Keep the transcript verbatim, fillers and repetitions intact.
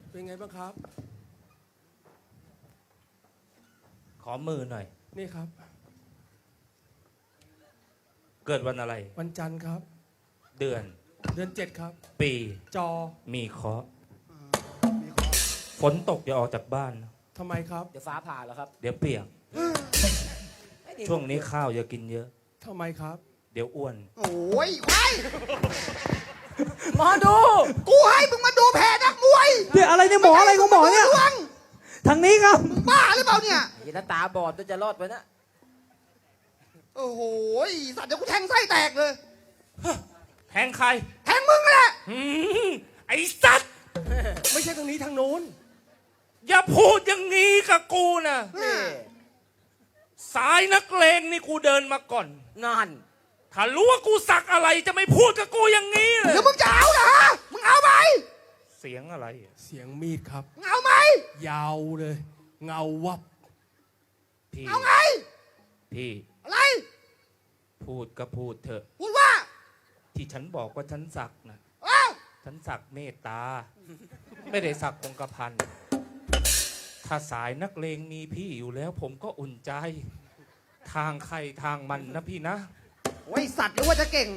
เป็นไงบ้างครับขอมือหน่อยนี่ครับเกิดวันอะไรวันจันทร์ครับเดือนเดือนเจ็ดครับปีจอมีเคราะห์มีขอฝนตกอย่าออกจากบ้านนะทำไมครับเดี๋ยวฟ้าผ่าแล้วครับเดี๋ยวเปียก ช่วงนี้ข้าวอย่ากินเยอะทำไมครับเดี๋ยวอ้วนโอ้ยควายหมอดูกูให้มึงมาดูแผลนักมวยเดี๋ยวอะไรเนี่ยหมออะไรของหมอเนี่ยดวงทางนี้ครับบ้าหรือเปล่าเนี่ยไอ้ตาบอดจะรอดไปนะโอ้โหสัตว์เดี๋ยวกูแทงไส้แตกเลยแทงใครแทงมึงแหละหืมไอ้สัตว์ไม่ใช่ทางนี้ทางโน้นอย่าพูดอย่างนี้กับกูนะนี่สายนักเลงนี่กูเดินมาก่อนนั่นถ้ารู้ว่ากูสักอะไรจะไม่พูดกับกูอย่างนี้เลยหรือมึงจะเอานะฮะมึงเอาไหมเสียงอะไรอะเสียงมีดครับมึงเอาไหมยาวเลย เงาวับพี่เอาไงพี่อะไรพูดก็พูดเถอะพูดว่าที่ฉันบอกว่าฉันสักนะเอ้าฉันสักเมตตา ไม่ได้สักคงกระพัน ถ้าสายนักเลงมีพี่อยู่แล้ว ผมก็อุ่นใจ ทางใครทางมันนะพี่นะโอ้ยสัตว์หรือว่าจะเก่ง